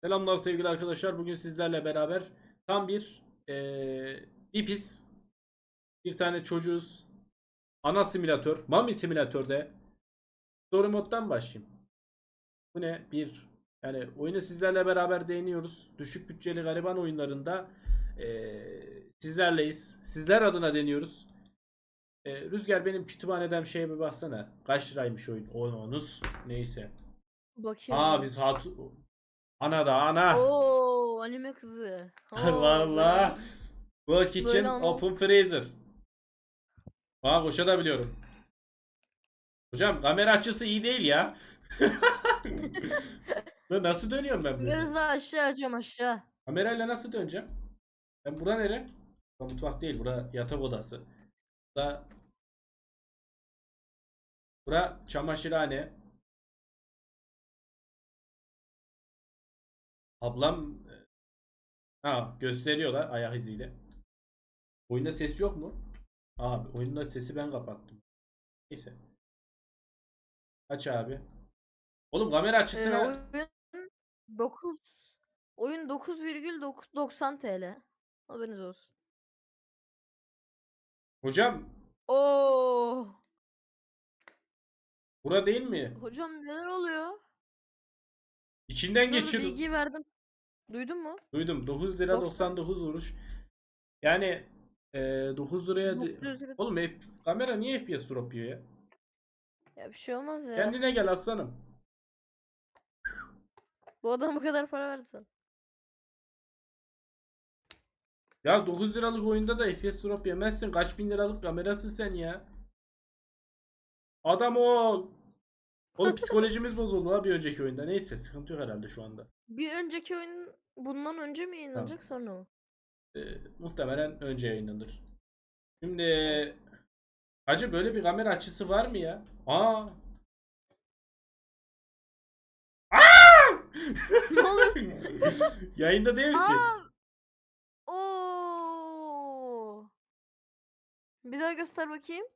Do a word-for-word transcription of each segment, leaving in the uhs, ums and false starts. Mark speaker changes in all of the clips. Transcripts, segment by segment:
Speaker 1: Selamlar sevgili arkadaşlar. Bugün sizlerle beraber tam bir eee ipiz. Bir tane çocuğuz. Ana simülatör. Mami simülatörde. Story moddan başlayayım. Bu ne? Bir. Yani oyunu sizlerle beraber deniyoruz. Düşük bütçeli gariban oyunlarında eee, sizlerleyiz. Sizler adına deniyoruz. Eee, Rüzgar benim kütüphaneden şeye bir baksana. Kaç liraymış oyun? Onunuz. Neyse.
Speaker 2: Bakayım
Speaker 1: Aa
Speaker 2: hemen.
Speaker 1: biz hatu... Ana da ana.
Speaker 2: Oo, anime kızı. Oo, böyle
Speaker 1: Vallahi.
Speaker 2: an
Speaker 1: World
Speaker 2: böyle
Speaker 1: Kitchen
Speaker 2: anlat.
Speaker 1: Open Freezer. Aa koşabiliyorum. Hocam kamera açısı iyi değil ya. Lan nasıl dönüyorum ben böyle?
Speaker 2: Biraz daha aşağı açıyorum aşağı.
Speaker 1: Kamerayla nasıl döneceğim? Ben bura nere? Bura mutfak değil, bura yatak odası. Bura, bura çamaşırhane. Ablam ha gösteriyorlar ayak iziyle. Oyunda ses yok mu? Abi oyunda sesi ben kapattım. Neyse. Aç abi. Oğlum kamera
Speaker 2: Ee,
Speaker 1: açısına
Speaker 2: oyun dokuz oyun dokuz virgül doksan T L. Haberiniz olsun.
Speaker 1: hocam
Speaker 2: Oo,
Speaker 1: bura değil mi?
Speaker 2: hocam neler oluyor?
Speaker 1: İçinden
Speaker 2: Dur dur
Speaker 1: geçiyoruz.
Speaker 2: bilgiyi verdim. Duydun mu?
Speaker 1: Duydum. dokuz lira
Speaker 2: doksan
Speaker 1: doksan dokuz kuruş. Yani e, dokuz liraya de-
Speaker 2: dokuz yüz lira.
Speaker 1: oğlum F- kamera niye F P S drop yiyor ya?
Speaker 2: Ya bir şey olmaz ya.
Speaker 1: Kendine gel aslanım.
Speaker 2: Bu adam bu kadar para versin.
Speaker 1: Ya dokuz liralık oyunda da F P S drop yemezsin. Kaç bin liralık kamerasın sen ya. Adam ol. Oğlum psikolojimiz bozuldu ha bir önceki oyunda. Neyse sıkıntı yok herhalde şu anda.
Speaker 2: Bir önceki oyun bundan önce mi
Speaker 1: Tamam.
Speaker 2: yayınlanacak sonra mı?
Speaker 1: E, muhtemelen önce yayınlanır. Şimdi
Speaker 2: Tamam.
Speaker 1: hacı böyle bir kamera açısı var mı ya? Aa.
Speaker 2: Ne oluyor?
Speaker 1: Yayında değil misin?
Speaker 2: Aa! Oo! Bir daha göster bakayım.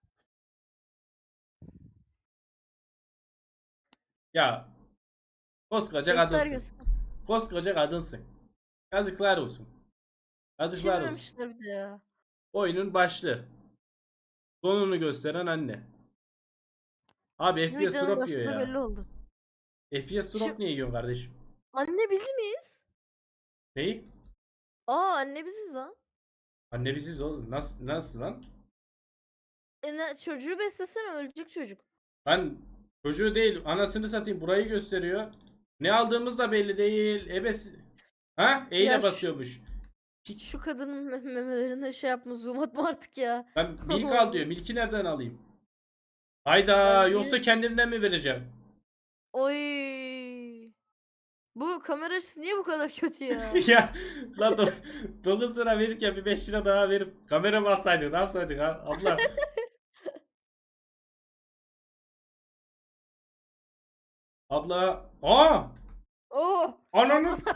Speaker 1: Ya koskoca
Speaker 2: Göster
Speaker 1: kadınsın.
Speaker 2: göster.
Speaker 1: Koskoca kadınsın. Yazıklar olsun. Yazıklar olsun.
Speaker 2: Çizmemişler bir de ya.
Speaker 1: Oyunun başlığı. Sonunu gösteren anne. Abi F P S
Speaker 2: Videonun
Speaker 1: drop yiyor
Speaker 2: başında
Speaker 1: ya.
Speaker 2: belli oldu.
Speaker 1: F P S drop
Speaker 2: Şimdi
Speaker 1: niye yiyorsun kardeşim?
Speaker 2: anne biz miyiz?
Speaker 1: Neyi?
Speaker 2: Aa anne biziz lan.
Speaker 1: Anne biziz oğlum. Nasıl, nasıl lan?
Speaker 2: E ne, çocuğu beslesene ölecek çocuk.
Speaker 1: Ben çocuğu değil anasını satayım burayı gösteriyor. Ne aldığımız da belli değil. Ebesi. Ha? E
Speaker 2: Ya
Speaker 1: ile
Speaker 2: şu,
Speaker 1: basıyormuş. Pik-
Speaker 2: şu kadının mem- memelerine şey yapma zoom atma artık ya.
Speaker 1: Ben milk al diyor. Milki nereden alayım?
Speaker 2: Ben
Speaker 1: Hayda
Speaker 2: niye?
Speaker 1: yoksa kendimden mi vereceğim?
Speaker 2: Oy. Bu kamera açısı niye bu kadar kötü ya?
Speaker 1: Ya la do dokuz lira verirken bir beş lira daha verip kamera mı alsaydık ne yapsaydık ha? Abla abla aa
Speaker 2: Oh! Abla
Speaker 1: ananın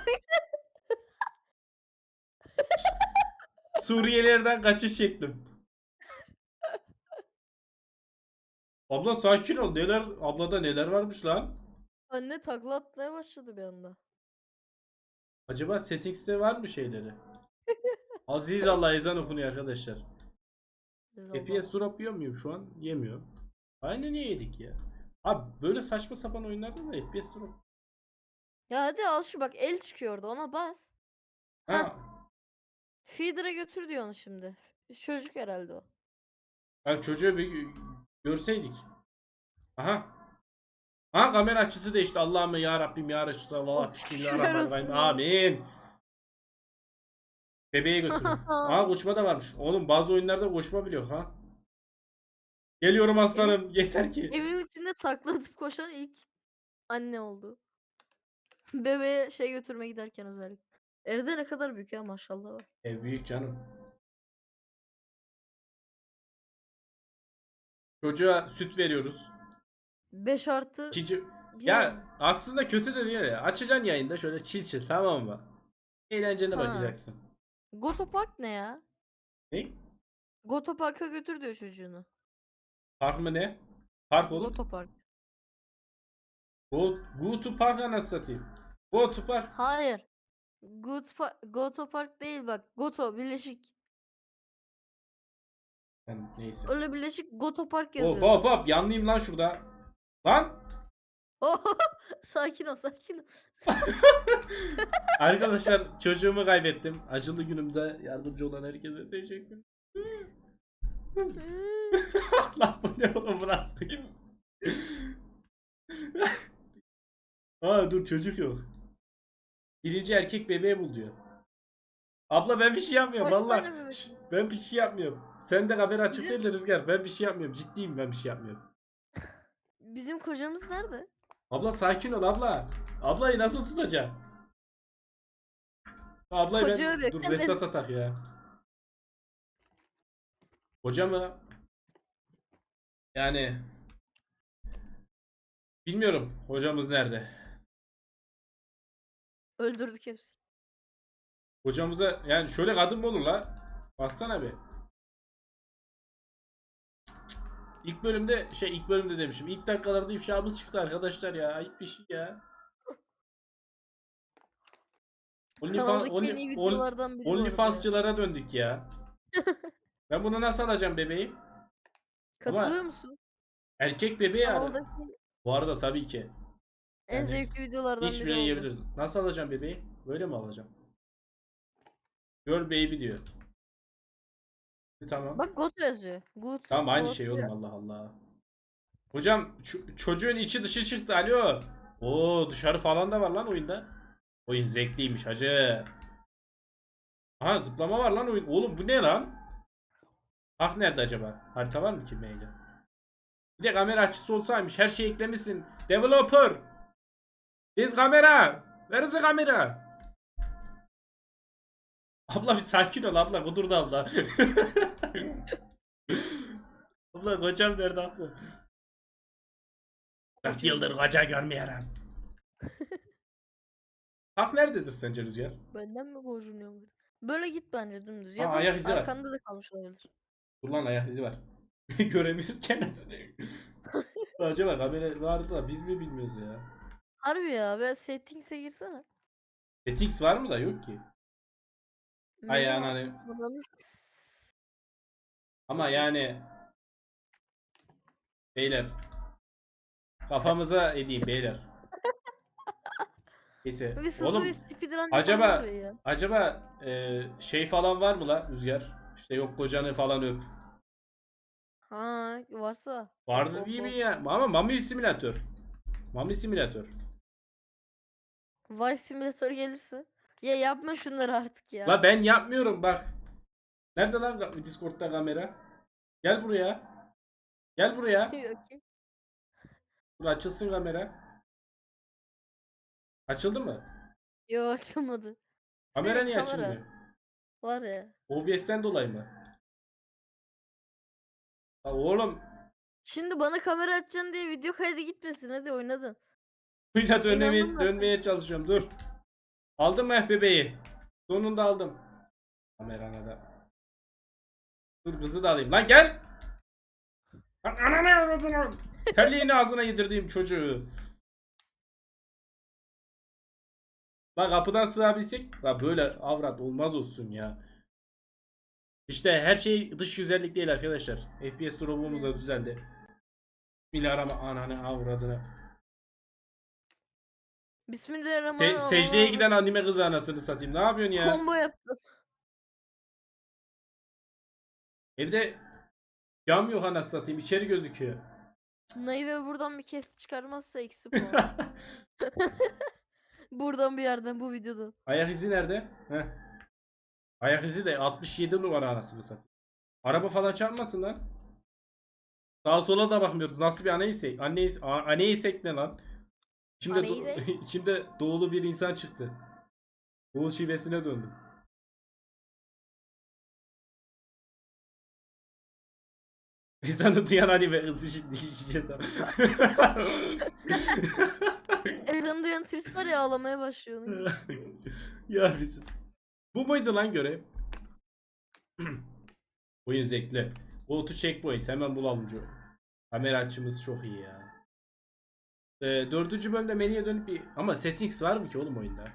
Speaker 1: Suriyelilerden kaçış çektim. Abla sakin ol neler ablada neler varmış lan?
Speaker 2: anne takla atmaya başladı bir anda.
Speaker 1: Acaba settings'te var mı şeyleri? Aziz Allah ezan okunuyor arkadaşlar.
Speaker 2: Biz
Speaker 1: F P S
Speaker 2: Allah.
Speaker 1: drop yiyor muyum şu an? Yemiyor. Aynı niye yedik ya? Abi böyle saçma sapan oyunlarda da F P S drop.
Speaker 2: Ya hadi al şu bak el çıkıyor orada ona bas. Heh.
Speaker 1: Ha,
Speaker 2: Feeder'a götür diyor onu şimdi. Çocuk herhalde o.
Speaker 1: yani çocuğu bir görseydik. Aha. Ha kamera açısı değişti. Allah'ım ya Rabbim ya Resulallah.
Speaker 2: Oh şükürler
Speaker 1: Bismillahirrahmanirrahim.
Speaker 2: olsun ya.
Speaker 1: Amin. Bebeğe götürün. Aa koşma da varmış. Oğlum bazı oyunlarda koşma biliyor ha. Geliyorum
Speaker 2: Evin,
Speaker 1: aslanım. Yeter ki.
Speaker 2: evin içinde takla atıp koşan ilk anne oldu. Bebeğe şey götürme giderken özellikle. Evde ne kadar büyük ya maşallah var.
Speaker 1: Ev büyük canım. Çocuğa süt veriyoruz.
Speaker 2: beş artı
Speaker 1: İkinci...
Speaker 2: bir
Speaker 1: Ya
Speaker 2: mi?
Speaker 1: aslında kötü de değil ya. Açacaksın yayında şöyle çil çil tamam mı? Eğlencene
Speaker 2: Ha.
Speaker 1: bakacaksın.
Speaker 2: Goto Park ne ya?
Speaker 1: Ne?
Speaker 2: Goto Park'a götür diyor çocuğunu.
Speaker 1: Park mı ne? Park oğlum.
Speaker 2: Goto Park.
Speaker 1: Go, go to park anasını satayım. Bu otopark.
Speaker 2: Hayır. Good pa- Goto Park değil bak. Goto Birleşik.
Speaker 1: Yani neyse.
Speaker 2: Öyle Birleşik Goto Park
Speaker 1: Hop
Speaker 2: yazıyordu.
Speaker 1: hop hop yanlıyım lan şurada. Lan.
Speaker 2: Sakin ol sakin ol.
Speaker 1: Arkadaşlar çocuğumu kaybettim. Acılı günümde yardımcı olan herkese teşekkür Lan bu ne oğlum burası? Aa dur çocuk yok. Birinci erkek bebeği bul diyor. Abla ben bir şey yapmıyorum
Speaker 2: Kaç
Speaker 1: valla.
Speaker 2: tane bebek?
Speaker 1: Şş, Ben bir şey yapmıyorum. Sen de kamera açık
Speaker 2: Bizim-
Speaker 1: değil de Rüzgar. Ben bir şey yapmıyorum. Ciddiyim ben bir şey yapmıyorum.
Speaker 2: Bizim kocamız nerede?
Speaker 1: Abla sakin ol abla. Ablayı nasıl tutacağım? Ablayı
Speaker 2: Koca
Speaker 1: ben...
Speaker 2: arıyor,
Speaker 1: Dur
Speaker 2: kendini.
Speaker 1: Vesat atak ya. Hoca mı? Yani... Bilmiyorum. Hocamız nerede?
Speaker 2: Öldürdük hepsini.
Speaker 1: Hocamıza... Yani şöyle kadın mı olur la? Baksana bir. İlk bölümde... Şey ilk bölümde demişim. İlk dakikalarda ifşamız çıktı arkadaşlar ya. Ayıp bir şey ya. OnlyFans,
Speaker 2: Kanaldaki en iyi
Speaker 1: Only, on,
Speaker 2: videolardan biri bu arada ya.
Speaker 1: OnlyFans'çılara döndük ya. Ben bunu nasıl alacağım bebeği?
Speaker 2: Katılıyor
Speaker 1: Ama
Speaker 2: musun?
Speaker 1: erkek bebeği yani.
Speaker 2: Kanaldaki
Speaker 1: Bu arada tabii ki.
Speaker 2: en
Speaker 1: Yani
Speaker 2: zevkli videolardan
Speaker 1: iş
Speaker 2: biri
Speaker 1: bile
Speaker 2: oldu.
Speaker 1: yiyebiliriz. Nasıl alacağım bebeği? Böyle mi alacağım? Girl baby diyor. Tamam.
Speaker 2: Bak Goto yazıyor. Good.
Speaker 1: Tamam aynı
Speaker 2: Goto
Speaker 1: şey
Speaker 2: ya.
Speaker 1: oğlum Allah Allah. Hocam ç- çocuğun içi dışı çıktı alo. Oo dışarı falan da var lan oyunda. Oyun zevkliymiş hacı. Aha zıplama var lan oyun. Oğlum bu ne lan? Ah nerede acaba? Harita var mı ki mailde? Bir de kamera açısı olsaymış. Her şeyi eklemişsin. Developer. Biz kamera. Where is the kamera? Abla bir sakin ol abla. Kudurdu abla. Abla kocam nerede abla? dört
Speaker 2: Kocam.
Speaker 1: yıldır koca görmüyorum. Hak nerededir sence Rüzgar?
Speaker 2: Benden mi gocunuyor? Böyle git bence dümdüz. Ya
Speaker 1: Aa,
Speaker 2: da
Speaker 1: ayak izi var.
Speaker 2: arkanda da kalmış olabilir.
Speaker 1: Dur lan ayak izi var. Göremiyoruz kendisini. Acaba kamera vardı da biz mi bilmiyoruz ya?
Speaker 2: Harbi ya. Ve settings'e girsene.
Speaker 1: Etix var mı da yok ki. Ay
Speaker 2: Menü
Speaker 1: yani.
Speaker 2: alanı-
Speaker 1: Ama yani beyler kafamıza edeyim beyler. Neyse.
Speaker 2: Bir hızlı
Speaker 1: Oğlum
Speaker 2: bir speedrun
Speaker 1: acaba
Speaker 2: yapalım buraya ya.
Speaker 1: acaba e, şey falan var mı la Rüzgar? İşte yok kocanı falan öp.
Speaker 2: Ha varsa.
Speaker 1: Vardı
Speaker 2: Of,
Speaker 1: değil
Speaker 2: of,
Speaker 1: mi
Speaker 2: of.
Speaker 1: ya? Ama Mami simülatör. Mami simülatör.
Speaker 2: Vive Simulator gelirse. Ya yapma şunları artık ya.
Speaker 1: La ben yapmıyorum bak. Nerede lan ka- Discord'da kamera? Gel buraya. Gel buraya.
Speaker 2: Okey.
Speaker 1: Dur açılsın kamera. Açıldı mı?
Speaker 2: Yo açılmadı.
Speaker 1: Kamera
Speaker 2: Senin
Speaker 1: niye
Speaker 2: kamera
Speaker 1: açılmıyor?
Speaker 2: var ya.
Speaker 1: O B S'ten dolayı mı? La oğlum.
Speaker 2: Şimdi bana kamera açacaksın diye video kaydı gitmesin. Hadi oynadın.
Speaker 1: Kuyla dönmeye,
Speaker 2: İnandım ben
Speaker 1: dönmeye çalışıyorum. Dur. Aldım mı bebeği? Sonunda aldım. Kamerana da. Dur kızı da alayım. Lan gel. Lan ananı avradını. Terliğini ağzına yedirdiğim çocuğu. Lan kapıdan sığabilsek. La böyle avrat olmaz olsun ya. İşte her şey dış güzellik değil arkadaşlar. F P S drop'umuz da düzeldi. Bilarama ananı avradını. Se
Speaker 2: Bismillahirrahmanirrahim.
Speaker 1: secdeye giden anime kızı anasını satayım. Ne yapıyorsun ya?
Speaker 2: Combo yaptı.
Speaker 1: Evde cam yok anasını satayım. İçeri gözüküyor.
Speaker 2: Naive buradan bir kes çıkarmazsa eksi puan. Buradan bir yerden bu videoda.
Speaker 1: Ayak izi nerede? Heh. Ayak izi de altmış yedi numara anasını satayım. Araba falan çarpmasın lan. Sağa sola da bakmıyoruz. Nasıl bir anneysek? Anneys anneysek ne lan? İçimde, do
Speaker 2: Aneysek?
Speaker 1: içimde doğulu bir insan çıktı. Doğu şivesine döndüm. İnsan da duyan anime hızlı şimdi işeceğiz.
Speaker 2: Evden duyan turist var ya ağlamaya başlıyor. onun.
Speaker 1: Ya bizim. Bu muydu lan görev? Oyun zevkli. Go to checkpoint hemen bulalım. Kamera açımız çok iyi ya. Ee, dördüncü bölümde menüye dönüp bir... Ama settings var mı ki oğlum oyunda?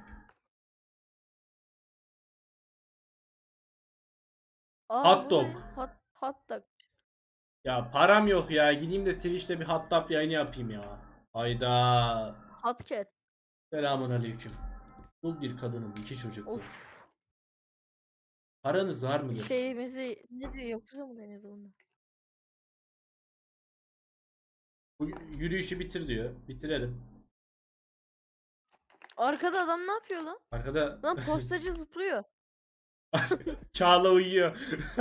Speaker 2: Aa
Speaker 1: Hot
Speaker 2: bu
Speaker 1: dog.
Speaker 2: ne? Hot, hot dog.
Speaker 1: Ya param yok ya. Gideyim de Twitch'te bir hot dog yayını yapayım ya. Hayda.
Speaker 2: Hot cat.
Speaker 1: Selamun aleyküm. Dul bir kadının iki çocuklu.
Speaker 2: Of.
Speaker 1: Paranız var mıdır?
Speaker 2: Şeyimizi ne diyor? Yakuza mı deniyordu bunda?
Speaker 1: Bu yürüyüşü bitir diyor. Bitirelim.
Speaker 2: Arkada adam ne yapıyor lan?
Speaker 1: Arkada
Speaker 2: Lan postacı zıplıyor.
Speaker 1: Çağla uyuyor.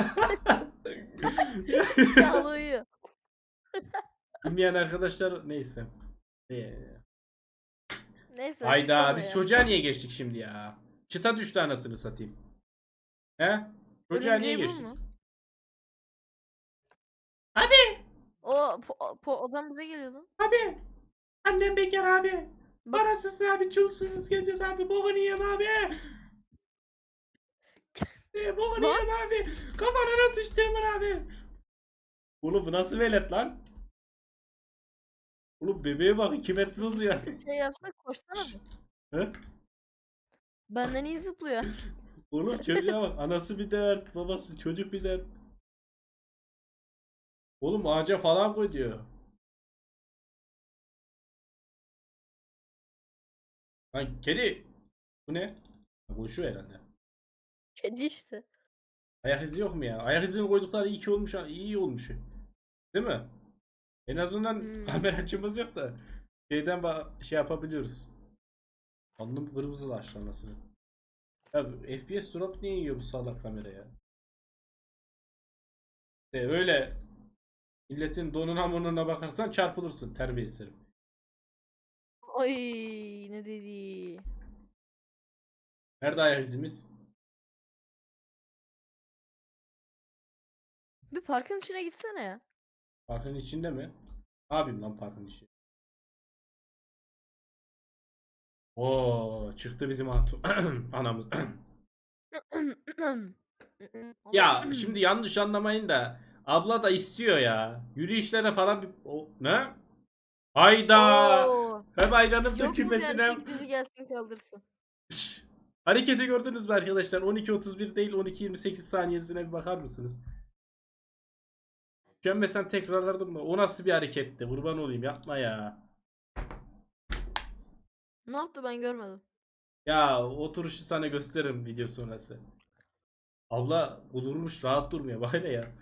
Speaker 2: Çağla uyuyor.
Speaker 1: Bilmeyen arkadaşlar neyse. Ee,
Speaker 2: Neyse
Speaker 1: Hayda
Speaker 2: açıklama
Speaker 1: biz
Speaker 2: ya.
Speaker 1: çocuğa niye geçtik şimdi ya? Çıta düştü anasını satayım. He? Çocuğa niye
Speaker 2: Örümceği bu
Speaker 1: geçtik?
Speaker 2: mu?
Speaker 1: Abi!
Speaker 2: O po, po, adam bize geliyordu.
Speaker 1: Abi! Annem bekar abi.
Speaker 2: Bak
Speaker 1: Parasız abi, çulsuz geziyoruz abi. Bokunu yiyeyim abi. E, bokunu
Speaker 2: lan
Speaker 1: yiyeyim abi. Kafana sıçtığımın abi. Oğlum bu nasıl velet lan? Oğlum bebeğe bak iki metre uzuyor.
Speaker 2: şey yapsak koşsana bir.
Speaker 1: He?
Speaker 2: Benden iyi zıplıyor.
Speaker 1: Oğlum çocuğa bak. Anası bir dert. Babası çocuk bir dert. Oğlum ağaca falan koy diyor. Lan kedi. Bu ne? Koşuyor herhalde.
Speaker 2: Kedi işte.
Speaker 1: Ayak izi yok mu ya? Ayak izini koydukları iyi ki olmuş. ha, iyi olmuş. Değil mi? En azından
Speaker 2: Hmm.
Speaker 1: kamera açımız yok da şeyden ba- şey yapabiliyoruz. Alnım kırmızılaştı anasını. Ya F P S drop niye yiyor bu salak kamera ya? De öyle milletin donuna monuna bakarsan çarpılırsın terbiyesiz.
Speaker 2: Ay ne dedi?
Speaker 1: Nerede ayak izimiz?
Speaker 2: Bir parkın içine gitsene ya.
Speaker 1: Parkın içinde mi? Ne yapayım lan parkın içi? Oo çıktı bizim hatun. Anamız. Ya şimdi yanlış anlamayın da abla da istiyor ya. Yürüyüşlere falan bir o, ne? Hayda!
Speaker 2: Oo.
Speaker 1: Hem ayranım
Speaker 2: Yok mu bir
Speaker 1: dökülmesin hem.
Speaker 2: erkek bizi gelsin kaldırsın.
Speaker 1: Şş, hareketi gördünüz mü arkadaşlar? on iki otuz bir değil on iki yirmi sekiz saniyesine bir bakar mısınız? Gömmesen tekrarlardım da o nasıl bir hareketti? Kurban olayım yapma ya.
Speaker 2: Ne yaptı ben görmedim.
Speaker 1: Ya oturuşu sana gösteririm video sonrası. Abla kudurmuş rahat durmuyor bak hele ya.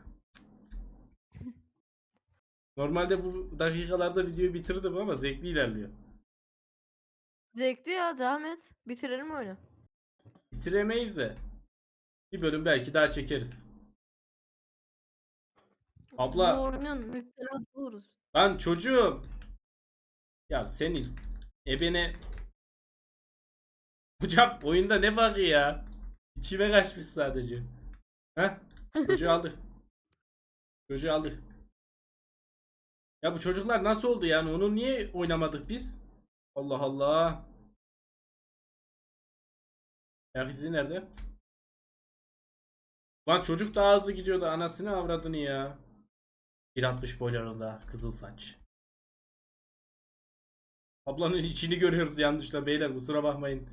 Speaker 1: Normalde bu dakikalarda videoyu bitirdim ama zevkli ilerliyor.
Speaker 2: Zevkli ya devam et. Bitirelim oyunu.
Speaker 1: Bitiremeyiz de. Bir bölüm belki daha çekeriz.
Speaker 2: Bu
Speaker 1: Abla
Speaker 2: oyunun müptelat oluruz.
Speaker 1: lan çocuğum. Ya senin ebene hocam oyunda ne var ya? İçime kaçmış sadece. Heh. Çocuğu aldık. Çocuğu aldık. Ya bu çocuklar nasıl oldu yani? Onu niye oynamadık biz? Allah Allah. Ayak izi nerede? Lan çocuk daha hızlı gidiyordu. Anasını avradını ya. bir altmış boylarında kızıl saç. Ablanın içini görüyoruz yanlışla beyler kusura bakmayın.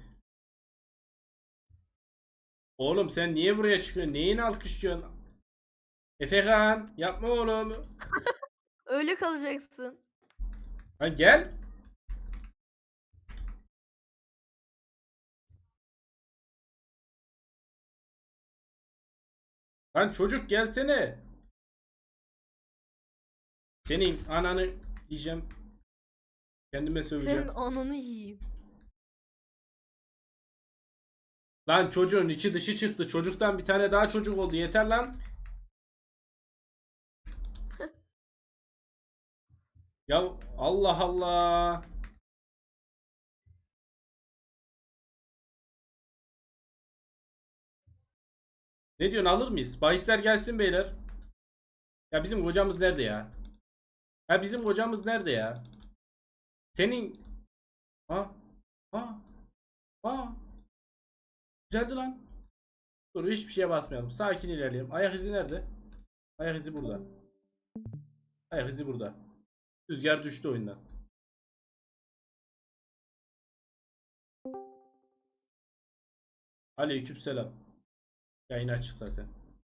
Speaker 1: Oğlum sen niye buraya çıkıyorsun? Neyini alkışlıyorsun? Efekan yapma oğlum.
Speaker 2: Öyle kalacaksın.
Speaker 1: Lan gel. Lan çocuk gelsene. Senin ananı yiyeceğim. Kendime söveceğim.
Speaker 2: Senin ananı yiyeyim.
Speaker 1: Lan çocuğun içi dışı çıktı. Çocuktan bir tane daha çocuk oldu. Yeter lan. Ya Allah Allah. Ne diyorsun alır mıyız? Bahisler gelsin beyler. Ya bizim kocamız nerede ya? Ya bizim kocamız nerede ya? Senin ha ha ha güzeldi lan. Dur hiçbir şeye basmayalım. Sakin ilerleyelim. Ayak izi nerede? Ayak izi burada. Ayak izi burada. Rüzgar düştü oyundan. Aleykümselam. Yayın açık zaten.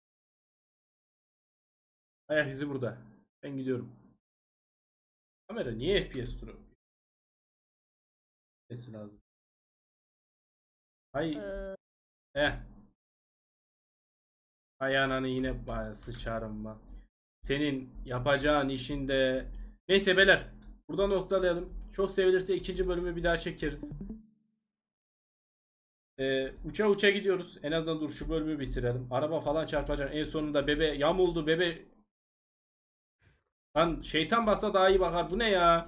Speaker 1: Ayak izi burada. Ben gidiyorum. Kamera niye F P S duruyor? Sesi lazım. Hay
Speaker 2: Ee,
Speaker 1: eh. Hay ananı yine baya sıçarım ben. Senin yapacağın işinde. Neyse beyler. Burada noktalayalım. Çok sevilirse ikinci bölümü bir daha çekeriz. Ee, uça uça gidiyoruz. En azından dur şu bölümü bitirelim. Araba falan çarpacak. En sonunda bebe yamuldu bebe. Lan şeytan bassa daha iyi bakar. Bu ne ya?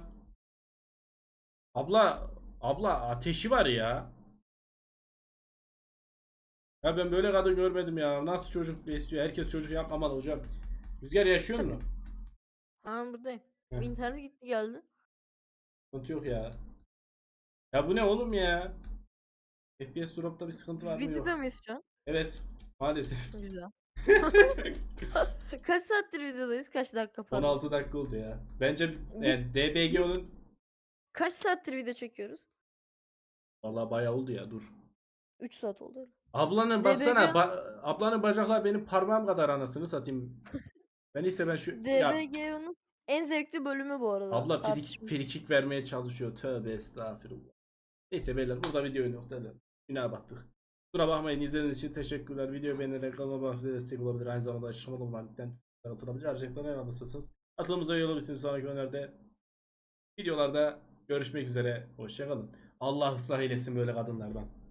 Speaker 1: Abla abla ateşi var ya. Ya ben böyle kadın görmedim ya. Nasıl çocuk besliyor? Herkes çocuk yapmamalı hocam. Rüzgar yaşıyor mu?
Speaker 2: ha buradayım.
Speaker 1: Heh,
Speaker 2: İnternet gitti geldi.
Speaker 1: sıkıntı yok ya. Ya bu ne oğlum ya? F P S drop'ta bir sıkıntı var mı? Yok.
Speaker 2: Videoda mıyız şu an?
Speaker 1: Evet. Maalesef.
Speaker 2: Güzel. Kaç saattir videodayız? Kaç dakika pardon.
Speaker 1: on altı dakika oldu ya. Bence
Speaker 2: Biz,
Speaker 1: yani D B G
Speaker 2: biz
Speaker 1: onun
Speaker 2: kaç saattir video çekiyoruz?
Speaker 1: vallahi bayağı oldu ya dur.
Speaker 2: üç saat oldu öyle.
Speaker 1: Ablanın
Speaker 2: D B G
Speaker 1: baksana ba- ablanın bacaklar benim parmağım kadar anasını satayım. Ben ise ben şu ya
Speaker 2: D B G'nin en zevkli bölümü bu arada.
Speaker 1: abla free,
Speaker 2: Tartışmasız.
Speaker 1: free kick vermeye çalışıyor. Tövbe estağfurullah. Neyse beyler burada videoyu noktalayalım. Günaha battık. Kusura bakmayın izlediğiniz için teşekkürler. Videoyu beğenerek kanalıma abone olmayı destek olabilir. Aynı zamanda aşamalı olan linkten atılabilir. Ayrıca ayarlanırsanız atılımıza üye olabilirsiniz. Sonraki önerde videolarda görüşmek üzere. Hoşçakalın. Allah ıslah eylesin böyle kadınlardan.